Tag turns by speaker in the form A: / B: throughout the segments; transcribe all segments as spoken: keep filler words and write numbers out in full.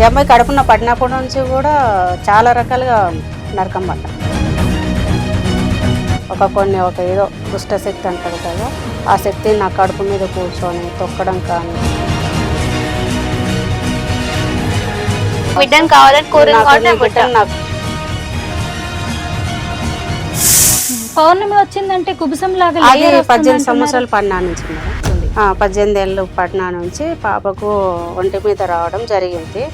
A: ఈ అమ్మాయి కడుపున పడినప్పటి నుంచి కూడా చాలా రకాలుగా నరకం పడ్డ. ఒక కొన్ని ఒక ఏదో దుష్ట శక్తి అంటారు కదా, ఆ శక్తి నా కడుపు మీద కూర్చొని తొక్కడం కానీ,
B: బిడ్డను కావాలని కోరిన
A: బిడ్డను నాకు
C: పౌర్ణమి వచ్చిందంటే కుబుసం లాగా
A: అది పద్దెనిమిది సంవత్సరాలు పడినా నుంచి మేడం. ఆ, పద్దెనిమిది ఏళ్ళు పడినా నుంచి పాపకు ఒంటి మీద రావడం జరిగింది.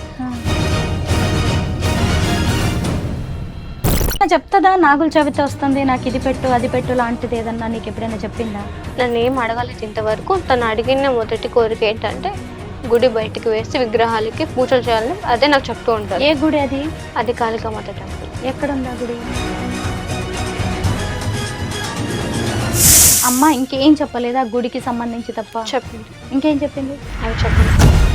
C: చెప్తుందా నాగుల చవితి వస్తుంది నాకు ఇది పెట్టు అది పెట్టు లాంటిది ఏదన్నా నీకు ఎప్పుడైనా చెప్పిందా?
B: నన్ను ఏం అడగలేదు ఇంతవరకు. తను అడిగిన మొదటి కోరిక ఏంటంటే గుడి బయటికి వేసి విగ్రహాలకి పూజలు చేయాలని అదే నాకు చెప్తూ ఉంటారు.
C: ఏ గుడి అది?
B: అది కాళికామాత టెంపుల్.
C: ఎక్కడుందా గుడి? అమ్మ ఇంకేం చెప్పలేదా గుడికి సంబంధించి తప్ప?
B: చెప్పింది.
C: ఇంకేం చెప్పింది?
B: అవి చెప్పింది.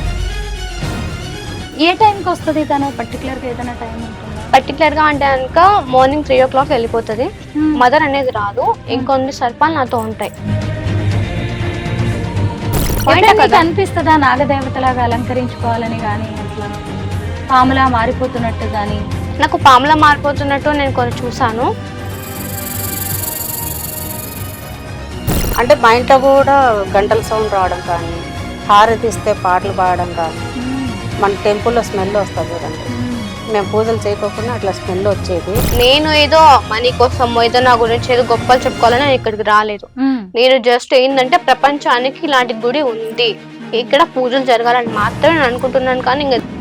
C: ఏ టైంకి వస్తుంది తను? పర్టికులర్గా ఏదైనా టైం ఉంటుందా?
B: పర్టికులర్ గా అంటే కనుక మార్నింగ్ త్రీ ఓ క్లాక్ వెళ్ళిపోతుంది. మదర్ అనేది రాదు. ఇంకొన్ని సర్పాలు నాతో ఉంటాయి.
C: అనిపిస్తుందా నాగదేవతలాగా అలంకరించుకోవాలని కానీ, అట్లా పాములా మారిపోతున్నట్టు కానీ?
B: నాకు పాములా మారిపోతున్నట్టు నేను కొన్ని చూసాను.
A: అంటే మా ఇంట్లో కూడా గంటల సౌండ్ రావడం కానీ, హారతి ఇస్తే పాటలు పాడడం కానీ, మన టెంపుల్లో స్మెల్ వస్తుంది చూడండి. మేము పూజలు చేయకోకుండా అట్లా స్మెల్ వచ్చేది.
B: నేను ఏదో మనీ కోసం ఏదో నా గురించి ఏదో గొప్పలు చెప్పుకోవాలని నేను ఇక్కడికి రాలేదు. నేను జస్ట్ ఏంటంటే ప్రపంచానికి ఇలాంటి గుడి ఉంది, ఇక్కడ పూజలు జరగాలని మాత్రమే నేను అనుకుంటున్నాను. కానీ ఇంకా